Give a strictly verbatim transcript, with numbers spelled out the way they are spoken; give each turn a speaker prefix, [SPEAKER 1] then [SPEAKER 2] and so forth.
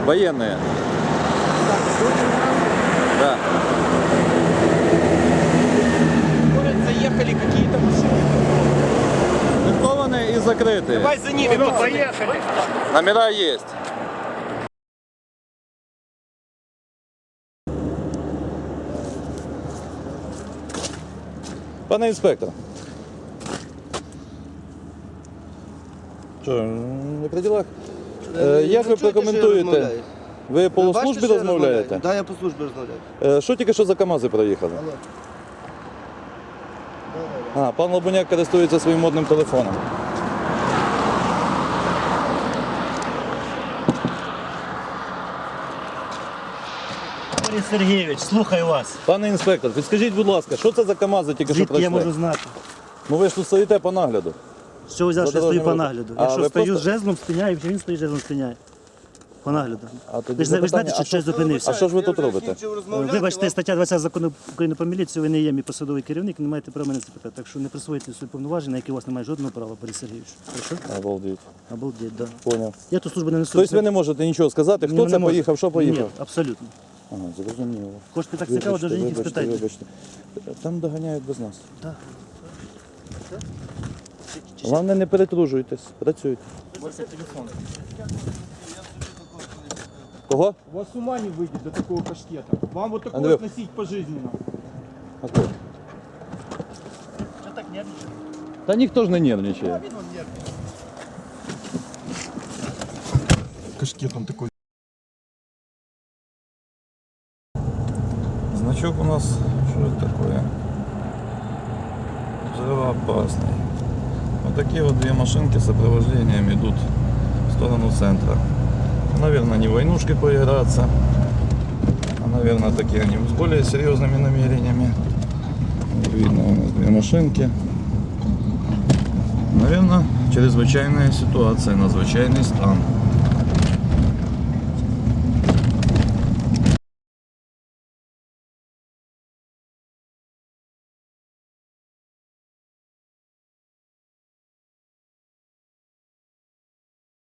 [SPEAKER 1] Военные. Да.
[SPEAKER 2] Может, заехали какие-то машины.
[SPEAKER 1] Ликованные и закрытые.
[SPEAKER 2] Давай за ними,
[SPEAKER 3] Ну,
[SPEAKER 2] пацаны.
[SPEAKER 3] поехали.
[SPEAKER 1] Номера есть. Пане інспектор. Що, не при ділах? Е, Як ви прокоментуєте? Ви по службі розмовляєте?
[SPEAKER 4] Так, да, я по службі розмовляю.
[SPEAKER 1] Е, Що тільки що за КАМАЗи проїхали?
[SPEAKER 4] Алло.
[SPEAKER 1] А, пан Лобуняк користується своїм модним телефоном.
[SPEAKER 5] Борис Сергійович, слухаю вас.
[SPEAKER 1] Пане інспектор, підскажіть, будь ласка, що це за КАМАЗи тільки що
[SPEAKER 5] Звідки
[SPEAKER 1] пройшли?
[SPEAKER 5] я можу знати?
[SPEAKER 1] Ну ви ж тут стоїте по нагляду.
[SPEAKER 5] Що ви взяли, що я стою по
[SPEAKER 1] Задорожнього-
[SPEAKER 5] нагляду?
[SPEAKER 1] А,
[SPEAKER 5] Я що,
[SPEAKER 1] ви
[SPEAKER 5] стою
[SPEAKER 1] просто-
[SPEAKER 5] з жезлом, спиняю, чи він стоїть з жезлом, спиняє? По нагляду.
[SPEAKER 1] А тоді
[SPEAKER 5] Ви ж ви ж
[SPEAKER 1] запитання,
[SPEAKER 5] знаєте,
[SPEAKER 1] а
[SPEAKER 5] що
[SPEAKER 1] що-
[SPEAKER 5] щось зупинився?
[SPEAKER 1] А що ж ви тут робите?
[SPEAKER 5] Вибачте, стаття двадцята закону України про міліцію, ви не є мій посадовий керівник, не маєте права мене запитати. Так що не присвоїте свої повноваження, на які у вас немає жодного права, Борис Сергійович. Хорошо?
[SPEAKER 1] Обалдеть.
[SPEAKER 5] Обалдеть, да.
[SPEAKER 1] Поняв.
[SPEAKER 5] Я тут службу не несу.
[SPEAKER 1] Тобто ви не можете нічого сказати,
[SPEAKER 5] Ні,
[SPEAKER 1] хто
[SPEAKER 5] не
[SPEAKER 1] це
[SPEAKER 5] можу.
[SPEAKER 1] поїхав, що поїхав?
[SPEAKER 5] Ні, абсолютно.
[SPEAKER 1] Ага, зрозуміло.
[SPEAKER 5] Хочете так цікаво,
[SPEAKER 1] Вибачте,
[SPEAKER 5] доженіть і
[SPEAKER 1] вибачте,
[SPEAKER 5] спитайте.
[SPEAKER 1] вибачте. Там доганяють без нас.
[SPEAKER 5] Так.
[SPEAKER 1] Головне, не перетружуйтесь, працюйте. Кого?
[SPEAKER 2] У вас с ума не выйдет до такого кашкета. Вам вот такое
[SPEAKER 1] Андрюх.
[SPEAKER 2] носить пожизненно.
[SPEAKER 1] А хто?
[SPEAKER 5] Що так нервничаєте?
[SPEAKER 1] Та ніхто ж не нервничає.
[SPEAKER 2] Кашкет он такой.
[SPEAKER 1] Значок у нас, что это такое? Взрывоопасный. Вот такие вот две машинки с сопровождением идут в сторону центра. Наверное, не войнушки поиграться, а, наверное, такие они с более серьезными намерениями. Видно у нас две машинки. Наверное, чрезвычайная ситуация, надзвичайный стан.